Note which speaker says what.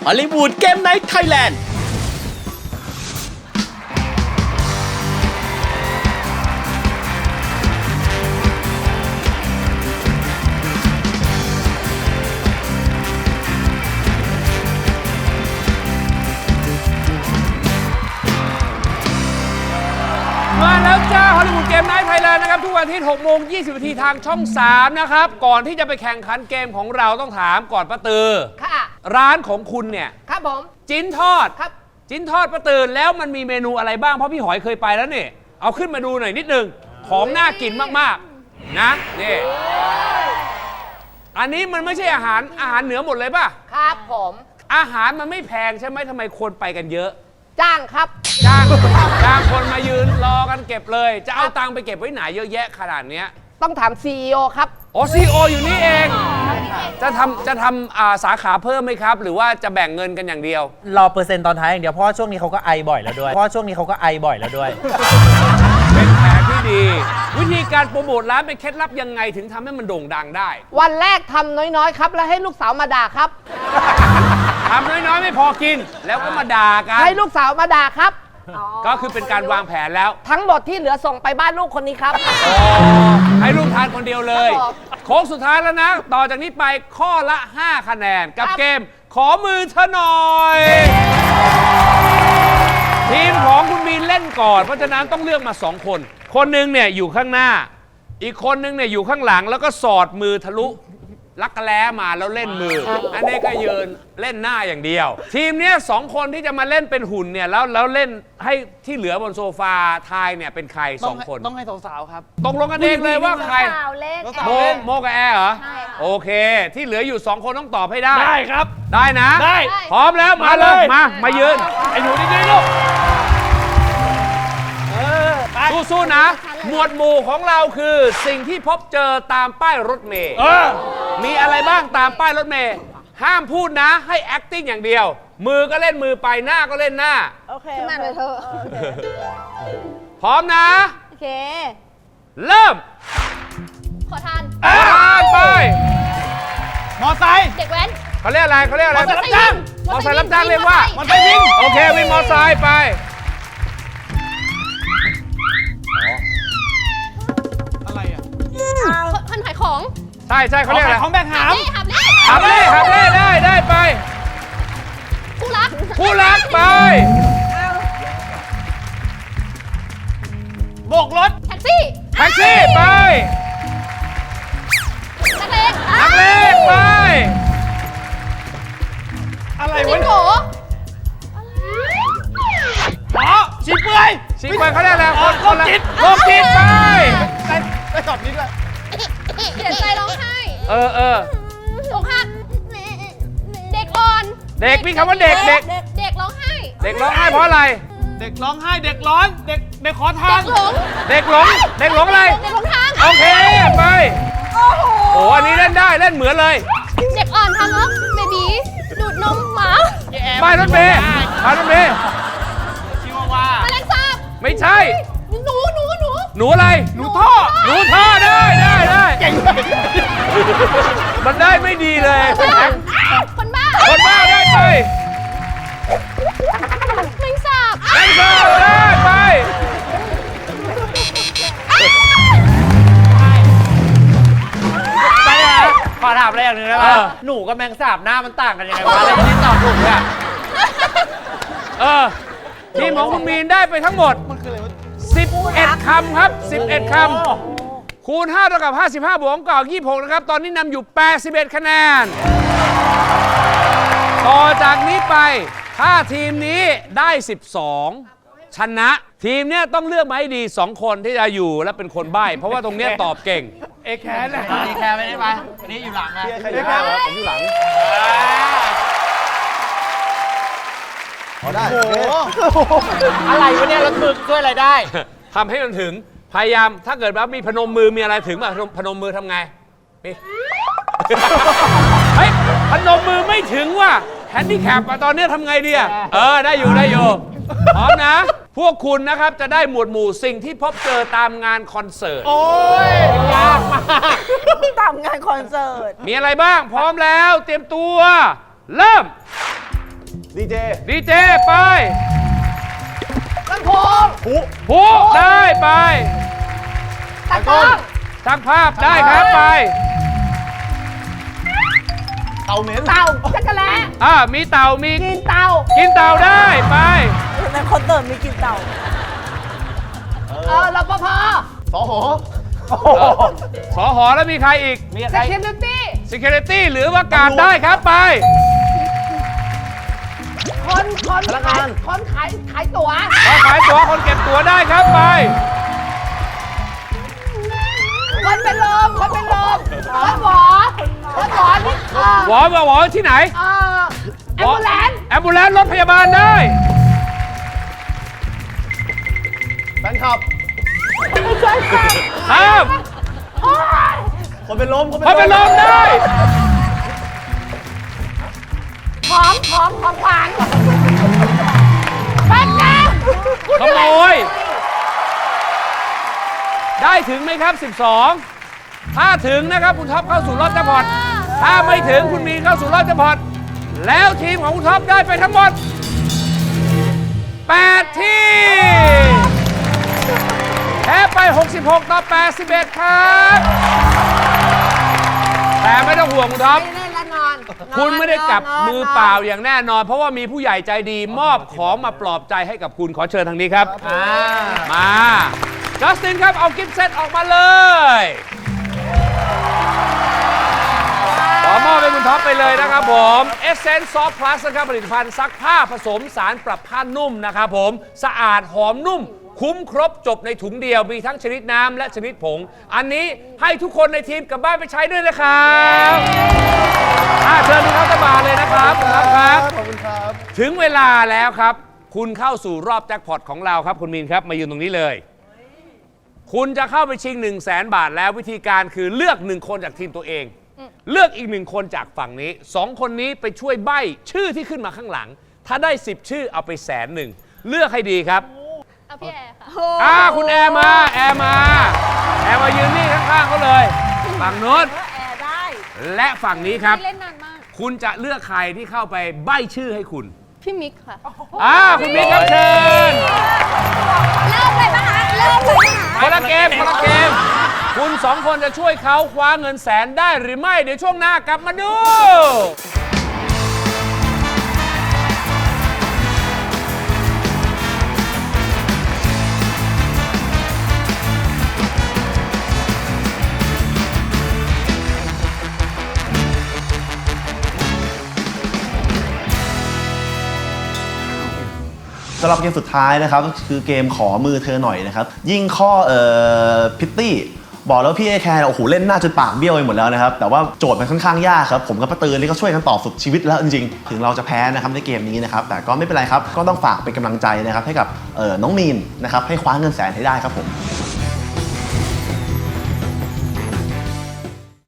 Speaker 1: ฮอลลีวูดเกมไนท์ไทยแลนด์
Speaker 2: มาแล้วจ้าฮอลลีวูดเกมไนท์ไทยแลนด์นะครับทุกวันอาทิตย์6 โมง 20 นาทีทางช่อง 3 นะครับ ก่อนที่จะไปแข่งขันเกมของเราต้องถามก่อนป้าตือ
Speaker 3: ค่ะ
Speaker 2: ร้านของคุณเนี่ย
Speaker 3: ครับผม
Speaker 2: จิ้นทอด
Speaker 3: ครับ
Speaker 2: จิ้นทอดป้าตือแล้วมันมีเมนูอะไรบ้างเพราะพี่หอยเคยไปแล้วนี่เอาขึ้นมาดูหน่อยนิดนึงของน่ากินมากๆนะนี่อันนี้มันไม่ใช่อาหารเหนือหมดเลยป่ะ
Speaker 3: ครับผม
Speaker 2: อาหารมันไม่แพงใช่ไหมทำไมคนไปกันเยอะ
Speaker 3: จ้างครับ
Speaker 2: จ้างคนมายืนรอกันเก็บเลย จะเอาตังค์ไปเก็บไว้ไหนเยอะแยะขนาดเนี้ย
Speaker 3: ต้องถาม CEO ครับ
Speaker 2: โอ้ซีโออยู่นี่เอง จะทำสาขาเพิ่มไหมครับ หรือว่าจะแบ่งเงินกันอย่างเดียว
Speaker 4: รอเปอร์เซ็นต์ตอนท้ายอย่างเดียวเพราะว่าช่วงนี้เขาก็ไอบ่อยแล้วด้วย
Speaker 2: เป็นแผนที่ดี วิธีการโปรโมทร้านเป็นเคล็ดลับยังไงถึงทำให้มันโด่งดังได้
Speaker 3: วันแรกทำน้อยๆครับ แล้วให้ลูกสาวมาด่าครับ
Speaker 2: ทำน้อยๆ ไม่พอกิน แล้วก็มาด่ากัน
Speaker 3: ให้ลูกสาวมาด่าครับ
Speaker 2: ก็คือเป็นการวางแผนแล้ว
Speaker 3: ทั้งหมดที่เหลือส่งไปบ้านลูกคนนี้ครับ
Speaker 2: ให้ลูกทานคนเดียวเลย
Speaker 3: ครับผม
Speaker 2: โค้งสุดท้ายแล้วนะ ต่อจากนี้ไปข้อละ 5 คะแนน กับ
Speaker 3: ครับ
Speaker 2: เกมขอมือเธอหน่อย ทีมของคุณมีนเล่นก่อน เพราะฉะนั้นต้องเลือกมา 2 คน คนหนึ่งเนี่ยอยู่ข้างหน้า อีกคนหนึงเนี่ยอยู่ข้างหลังแล้วก็สอดมือทะลุลักกะแล้มาแล้วเล่นมือ อันนี้ก็ยืนเล่นหน้าอย่างเดียว ทีมเนี้ย2 คนที่จะมาเล่นเป็นหุ่นเนี่ยแล้วเล่นให้ที่เหลือบนโซฟาทายเนี่ยเป็นใคร2 คน
Speaker 5: ต้องให้สาวๆครับ
Speaker 2: ตกลงกันเองเลยว่าใคร
Speaker 6: สาวเล่น
Speaker 2: โมกับแอร์เหรอ
Speaker 6: ใช่ค่ะ
Speaker 2: โอเค ที่เหลืออยู่ 2 คนต้องตอบให้ได้
Speaker 5: ได้ครับ
Speaker 2: ได้นะ
Speaker 5: ได้
Speaker 2: พร้อมแล้วมาเลย มายืน
Speaker 5: ไอ้หนูนี่ลูก
Speaker 2: สู้ๆนะ หมวดหมู่ของเราคือสิ่งที่พบเจอตามป้ายรถเมล์มีอะไรบ้างตามป้ายรถเมล์ห้ามพูดนะให้ acting อย่างเดียว มือก็เล่นมือไปหน้าก็เล่นหน้า
Speaker 6: โอเคขึ้นมาเลยเธอ
Speaker 2: พร้อมนะ
Speaker 6: โอเค
Speaker 2: เริ่ม
Speaker 6: ขอทาน
Speaker 2: อ่านไป
Speaker 5: มอไซค์
Speaker 6: เด็กแว้น
Speaker 2: เขาเรียกอะไรเขาเรียกอะไร
Speaker 5: มอเตอร์ไซค์รับจ้าง
Speaker 2: มอเตอร์ไซค์รับจ้างเรียกว่า
Speaker 5: มอไซค์วิ่ง
Speaker 2: โอเควินมอเตอร์ไซค์ไป
Speaker 5: อะไรอ่ะ
Speaker 6: คนขายของ
Speaker 2: ใช่ใช่เขาเรียกอะไร
Speaker 5: ของแบกหาม
Speaker 6: หับเล่
Speaker 2: หับเล่ได้ไป
Speaker 6: คู่รัก
Speaker 2: ผู้รักไป
Speaker 5: โบกรถ
Speaker 6: แท็กซี่
Speaker 2: แท็กซี่ไป
Speaker 6: นักเลง
Speaker 2: นักเลงไป
Speaker 5: อะไร
Speaker 6: จิ
Speaker 5: วะ
Speaker 6: งโก
Speaker 5: อ๋อชีเปื่อย
Speaker 2: ชิงไปเขาเรียกอะไรคน
Speaker 5: โรคจิต
Speaker 2: โรคจิตไป
Speaker 5: ได้ตอบนี้ด้วย
Speaker 6: เสียใจร้องไห้
Speaker 2: เออ
Speaker 6: อกหักเด็กอ่อน
Speaker 2: เด็กมีคำว่าเด็ก
Speaker 6: เด็กร้องไห้
Speaker 2: เด็กร้องไห้เพราะอะไร
Speaker 5: เด็กร้องไห้ เด็กร้อน เด็กขอทา
Speaker 6: เด็
Speaker 5: น
Speaker 6: กหลง
Speaker 2: เด็กหลงอะไร
Speaker 6: เด็กหลงทาง
Speaker 2: โอเคไปโอ้อันนี้เล่นได้เล่นเหมือนเลย
Speaker 6: เด็กอ่อนทางแล้วเบบีดูดนมหมา
Speaker 2: ป้ายรถเมย์ป้ายรถเมย์
Speaker 5: ชิวาว่า
Speaker 6: แมลงสาบ
Speaker 2: ไม่ใช่
Speaker 6: หนู
Speaker 2: หนูอะไร
Speaker 5: หนูท่อ
Speaker 2: หนูท่อได้
Speaker 5: เก่งเลย
Speaker 2: มันได้ไม่ดีเลย
Speaker 6: คนบ้า
Speaker 2: คนบ้าได้ไป
Speaker 6: แมลงสาบ
Speaker 2: แองเจิลได้ไป
Speaker 4: ไปเลยนะขอถามอะไรอย่างหนึงได้ไหมหนูกับแมงสาบหน้ามันต่างกันยังไงวะอะไรที่ตอบถูกเนี่ย
Speaker 2: ทีมของคุณมีนได้ไปทั้งหมด 11 คำครับ 11 คำ คูณ 5 เท่ากับ 55 บวกเก่า26 นะครับ ตอนนี้นำอยู่ 81 คะแนน ต่อจากนี้ไป ถ้าทีมนี้ได้ 12 ชนะ ทีมเนี้ยต้องเลือกมาให้ดี 2 คนที่จะอยู่และเป็นคนใบ้ เพราะว่าตรงเนี้ยตอบเก่ง
Speaker 5: เอแคนนะ
Speaker 4: นี่แคร์ไม่ได้ไหมอันนี้อยู่หลังนะ
Speaker 5: เอแคน
Speaker 2: ผมอยู่หลัง
Speaker 5: โอ้โห
Speaker 4: อะไรวะเนี่ยรถมึกช่วยอะไรได้
Speaker 2: ทำให้มันถึง พยายาม ถ้าเกิดว่ามีพนมมือมีอะไรถึงป่ะพนมมือทำไงนี่ เฮ้ยพนมมือไม่ถึงว่ะแฮนดิแคปอะตอนนี้ทำไงดีอะได้อยู่พร้อมนะ พวกคุณนะครับจะได้หมวดหมู่สิ่งที่พบเจอตามงานคอนเสิร์ต
Speaker 5: โอ้ย
Speaker 4: ยากมาก
Speaker 3: ตามงานคอนเสิร์ต
Speaker 2: มีอะไรบ้าง พร้อมแล้ว เตรียมตัว เริ่ม
Speaker 7: ดีเจ
Speaker 2: ดีเจไป
Speaker 3: ลำโพง
Speaker 2: ผู้ได้ไป
Speaker 3: ตะกร้อง
Speaker 2: ช่างภาพได้ครับไป
Speaker 7: เตาเหม็น
Speaker 3: เต่าจักรแล้
Speaker 2: มีเต่ามี
Speaker 3: กินเต่า
Speaker 2: กินเต่าได้ไป
Speaker 3: ในคอนเสิร์ตมีกินเต่ารปภ
Speaker 7: สอหอ
Speaker 2: สอหอแล้วมีใครอีก
Speaker 4: มีใคร
Speaker 3: security
Speaker 2: Security หรือว่าการได้ครับไป
Speaker 3: คนขายตั๋ว
Speaker 2: ขายตั๋วคนเก็บตั๋วได้ครับไป
Speaker 3: คนเป็นลมคนหมอนี่
Speaker 2: หวอที่ไหน
Speaker 3: แอมบูแลนซ์
Speaker 2: แอมบูแลนซ์รถพยาบาลได้
Speaker 7: แฟนคลับ
Speaker 2: ครับ
Speaker 7: คนเป็นลม
Speaker 2: เขาเป็นลมได้
Speaker 3: ของขวัญแป๊บนะ
Speaker 2: ขโมย ได้ถึงไหมครับ 12 ถ้าถึงนะครับคุณท็อปเข้าสู่รอบแจ็คพอตถ้าไม่ถึงคุณมีนเข้าสู่รอบแจ็คพอตแล้วทีมของคุณท็อปได้ไปทั้งหมด 8 ที่แพ้ไป 66 ต่อ 81 ครับ แต่ไม่ต้องห่วงคุณท็อป
Speaker 3: ไม่ได้ละนอน
Speaker 2: คุณไม่ได้กลับมือเปล่าอย่างแน่นอน เพราะว่ามีผู้ใหญ่ใจดีมอบของมาปลอบใจให้กับคุณขอเชิญทางนี้ครับ มาจัสตินครับ เอากิฟต์เซตออกมาเลยขอมอบให้คุณท็อปไปเลยนะครับผม Essence Soft Plus นะครับผลิตภัณฑ์ซักผ้าผสมสารปรับผ้านุ่มนะครับผมสะอาดหอมนุ่ม คุ้มครบจบในถุงเดียวมีทั้งชนิดน้ำและชนิดผง อันนี้ให้ทุกคนในทีมกลับบ้านไปใช้ด้วยนะครับเชิญคุณท็อปตะบาเลยนะครับคุณท็อปครับ
Speaker 7: ขอบคุณครับ
Speaker 2: ถึงเวลาแล้วครับ คุณเข้าสู่รอบแจ็คพอตของเราครับคุณมีนครับมายืนตรงนี้เลย คุณจะเข้าไปชิง 100,000 บาทแล้ววิธีการคือเลือก1คนจากทีมตัวเอง เลือกอีก1คนจากฝั่งนี้2คนนี้ไปช่วยใบ้ชื่อที่ขึ้นมาข้างหลัง ถ้าได้10ชื่อเอาไป100,000เลือกให้ดีครับ
Speaker 6: เอาพี่แอร์ค่ะ
Speaker 2: คุณแอร์มายืนนี่ข้างๆเขาเลยฝั่งโน้น
Speaker 6: แอร์ได้
Speaker 2: และฝั่งนี้ครับ
Speaker 6: เล่นนานมาก
Speaker 2: คุณจะเลือกใครที่เข้าไปใบ้ชื่อให้คุณ
Speaker 6: พี่มิกค่ะ
Speaker 2: คุณมิกครับเชิญ
Speaker 6: เริ่มเลยปะคะเริ่มเลยปะคะ
Speaker 2: คนละเกม คุณ2คนจะช่วยเขาคว้าเงิน100,000ได้หรือไม่ เดี๋ยวช่วงหน้ากลับมาดู
Speaker 7: สำหรับเกมสุดท้ายนะครับก็คือเกมขอมือเธอหน่อยนะครับยิ่งข้อพิตตี้บอกแล้วพี่ไอแคร์โอ้โหเล่นหน้าจนปากเบี้ยวไปหมดแล้วนะครับแต่ว่าโจทย์มันค่อนข้างยากครับผมกับป้าตือนี่ก็ช่วยกันต่อสุดชีวิตแล้วจริงๆถึงเราจะแพ้นะครับในเกมนี้นะครับแต่ก็ไม่เป็นไรครับก็ต้องฝากเป็นกำลังใจนะครับให้กับน้องมีนนะครับให้คว้าเงิน100,000ให้ได้ครับผม